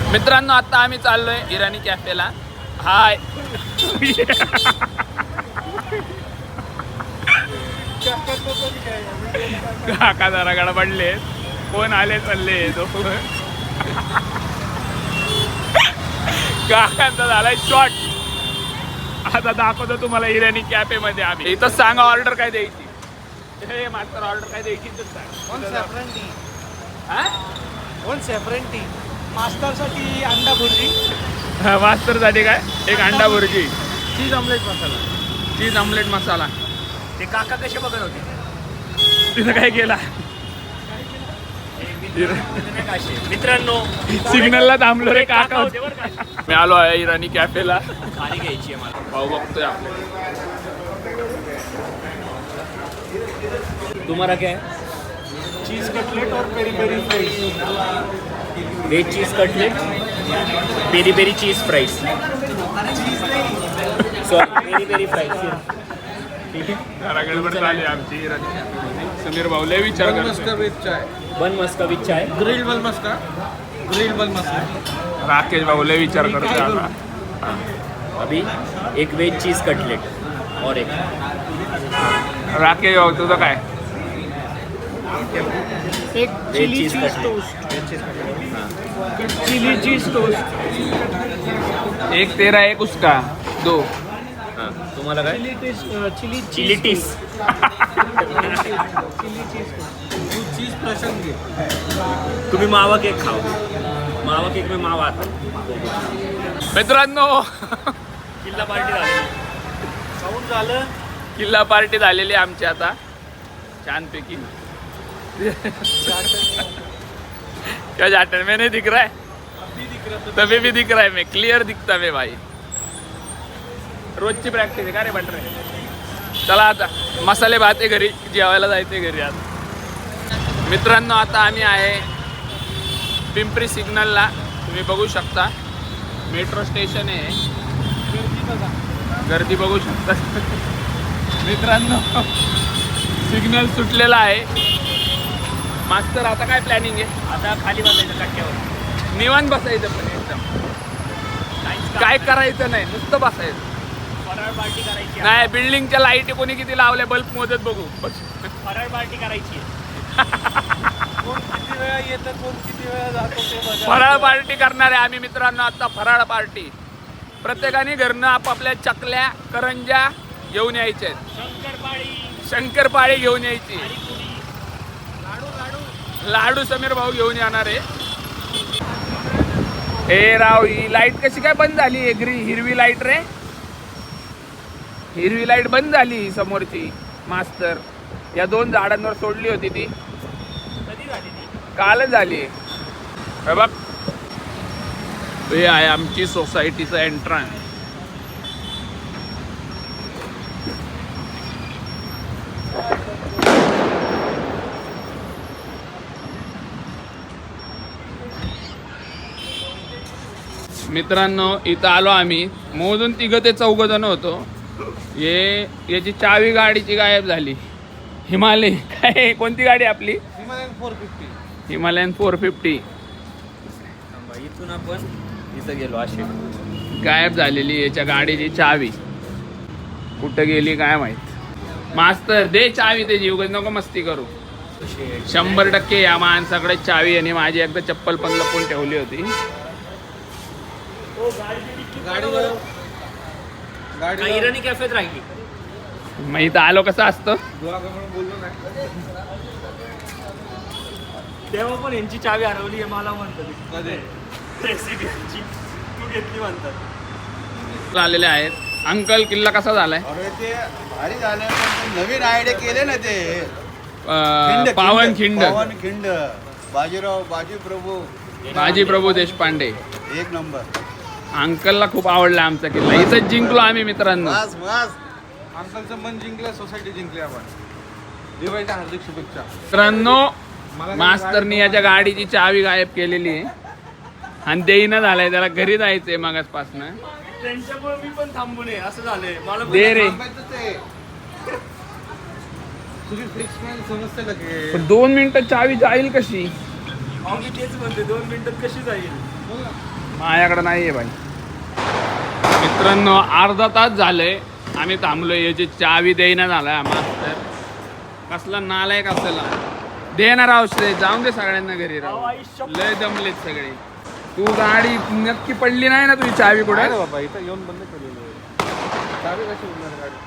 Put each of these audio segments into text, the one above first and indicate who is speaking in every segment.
Speaker 1: मित्रांनो आता आम्ही चाललोय इराणी कॅफेला. हाय काका जरा गडबडले. कोण आले चालले काकांचा झालाय शॉट. आता दाखवतो तुम्हाला इराणी कॅफे मध्ये आम्ही. इथं सांगा ऑर्डर काय द्यायची. हे मास्टर ऑर्डर काय द्यायची तर
Speaker 2: टी मास्टर साठी अंडा भुर्जी.
Speaker 1: मास्टर साठी काय एक अंडा bhurji,
Speaker 2: cheese omelette masala.
Speaker 1: Cheese omelette masala.
Speaker 2: ते काका कसे बघत होते
Speaker 1: तिथं काय केला
Speaker 2: मित्रांनो.
Speaker 1: सिग्नलला थांबलो रे काका. मी आलो आहे इराणी कॅफेला.
Speaker 2: खाली घ्यायची आहे मला.
Speaker 1: भाऊ बघतोय आपले.
Speaker 2: तुम्हाला क्या है? चीज कटलेट और peri peri fries. Veg cheese cutlet, peri peri cheese fries. Sorry, peri peri fries. ठीक है.
Speaker 1: जरा गडबड झाली आमची इराणी कॅफेमध्ये. समीर भाऊ लय विचार करतो.
Speaker 2: बन मस्का विथ चाय.
Speaker 3: ग्रिल बल मस्का.
Speaker 1: राकेश भाऊ लय विचार करतोय आता.
Speaker 2: अभी एक वेज चीज कटलेट और एक
Speaker 1: राकेश भाऊ तुझं काय.
Speaker 2: एक chilli cheese toast. Chilli cheese toast.
Speaker 1: एक तेरा एक उसका दो.
Speaker 2: हां, तुम्हाला काय? चिली टीस.
Speaker 3: चीज प्रसंग घे.
Speaker 2: तुम्ही मावा केक खाओ. मावा केक में मावा आता.
Speaker 1: मित्रांनो
Speaker 2: किल्ला पार्टी झाली. खाऊन झालं.
Speaker 1: किल्ला पार्टी झालेली आमची आता छानपैकी. क्या जाटन में नहीं दिख रहा है. तभी भी दिख रहा है. मैं क्लियर दिखता मैं भाई. रोजची प्रॅक्टिस आहे का रे बटर. चला आता मसाले भात आहे घरी. जेवायला जायचे घरी आता. मित्रांनो आता आम्ही आहे पिंपरी सिग्नलला. तुम्ही बघू शकता मेट्रो स्टेशन आहे. गर्दी बघू शकता मित्रांनो. सिग्नल सुटलेला आहे. मास्तर आता काय प्लॅनिंग आहे.
Speaker 2: आता खाली बसायचं कट्ट्यावर.
Speaker 1: निवांत बसायचं पण एकदम. काय करायचं नाही नुसतं बसायचं.
Speaker 2: फराळ पार्टी करायची.
Speaker 1: नाही बिल्डिंगच्या लाईटी कोणी किती लावल्या बल्ब मोजत बघू.
Speaker 2: फराळ पार्टी करायची.
Speaker 3: कोण किती वेळा येतं, कोण किती वेळा जातो ते बघा.
Speaker 1: फराळ पार्टी करणारे आम्ही मित्रांनो. आता फराळ पार्टी. प्रत्येकाने घरनं आपापल्या चकल्या करंज्या घेऊन यायच्या. शंकरपाळी घेऊन यायची. लाडू समीर भाऊ घेऊन येणार आहे. ए राव ही लाईट कशी काय बंद झाली. हिरवी लाईट रे. हिरवी लाईट बंद झाली समोरची. मास्तर या दोन झाडांवर सोडली होती ती. कालच झाली. हे बघ हे आहे आमची सोसायटीचं एंट्रन्स. मित्रांनो इथं आलो आम्ही. मोजून 3 ते 4 जण होतो. याची चावी गाडीची गायब झाली. हिमालय काय कोणती गाडी आपली.
Speaker 3: हिमालयन 450.
Speaker 1: हिमालयन 450
Speaker 2: इथून आपण इथं गेलो. असे
Speaker 1: गायब झालेली याच्या गाडीची चावी. कुठं गेली काय माहित. मास्तर दे चावी ते जीव नको मस्ती करू. 100% या माणसाकडे चावी. आणि माझी एकदा चप्पल पण लपून ठेवली होती.
Speaker 3: गाडी
Speaker 2: इराणी कॅफेत राहिली.
Speaker 1: मग इथं आलो कसं असतं.
Speaker 3: बोललो नाही.
Speaker 2: तेव्हा पण यांची चावी हरवली आहे मला म्हणतात.
Speaker 3: कधी
Speaker 2: रेसिडेंटची तू घेतली म्हणतात.
Speaker 1: आलेले आहेत. अंकल किल्ला कसा झालाय.
Speaker 4: अरे ते भारी झालं. पण नवीन आयडिया केले ना ते
Speaker 1: पावनखिंड.
Speaker 4: पावनखिंड.
Speaker 1: बाजी प्रभू देशपांडे.
Speaker 4: एक नंबर.
Speaker 1: अंकलला खूप आवडला आमचा किल्ला. इथंच जिंकलो आम्ही मित्रांनो.
Speaker 4: बस बस.
Speaker 3: अंकलचं मन जिंकलं, सोसायटी जिंकली आपण. दिवाळीच्या हार्दिक शुभेच्छा
Speaker 1: मित्रांनो. मास्तरनी याच्या गाडीची चावी गायब केलेली आहे. आणि देईना झालाय. त्याला घरी जायचंय मागासपासून.
Speaker 2: त्यांच्यामुळे मी पण थांबू नये असं झालंय मला.
Speaker 1: दे रे.
Speaker 3: तुझी फिक्स मॅन समजते लगे.
Speaker 1: पण 2 मिनिटं चावी जाईल कशी.
Speaker 2: मी तेच म्हणते 2 मिनिटात कशी जाईल.
Speaker 1: माझ्याकडे नाही आहे भाई. मित्रांनो अर्धा तास झालंय आम्ही थांबलोय. याची चावी देईना झालाय मास्तर. कसला नालायक असेल देणार औषध. जाऊन दे सगळ्यांना घरी राहू. लय दमलेत सगळे. तू गाडी नक्की पडली नाही ना तुझी चावी कुठे?
Speaker 3: आहे ना बाबा, इथं येऊन बंद केलेलं आहे. चावी कशी उडणार गाडी?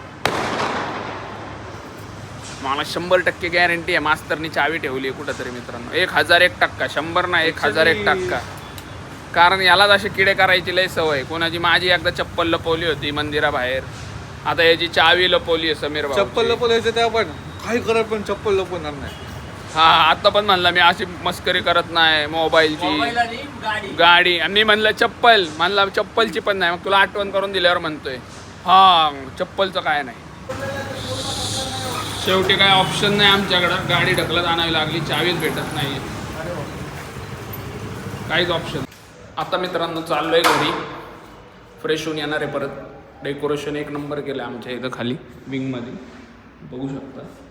Speaker 1: मला 100% गॅरंटी आहे मास्तरनी चावी ठेवली आहे कुठंतरी मित्रांनो. 1001%. 100 ना 1001%. कारण यालाच असे किडे करायची लय सवय. कोणाची माझी एकदा चप्पल लपवली होती मंदिराबाहेर. आता याची चावी लपवली आहे समीर भाऊ.
Speaker 3: चप्पल लपवायचं ते आपण काही करत पण चप्पल लपवणार नाही.
Speaker 1: हा आता पण म्हणला मी अशी मस्करी करत नाही मोबाईलची. गाडी आणि मी म्हणलं चप्पल. म्हणला चप्पलची पण नाही. मग तुला आठवण करून दिल्यावर म्हणतोय हा चप्पलचं काय नाही. शेवटी काय ऑप्शन नाही आमच्याकडं. गाडी ढकलत आणावी लागली. चावीच भेटत नाही. काहीच ऑप्शन. आता मित्रांनो चाललोय घरी. फ्रेश होऊन येणार आहे परत. डेकोरेशन एक नंबर केलं आमच्या इथं खाली विंगमध्ये बघू शकता.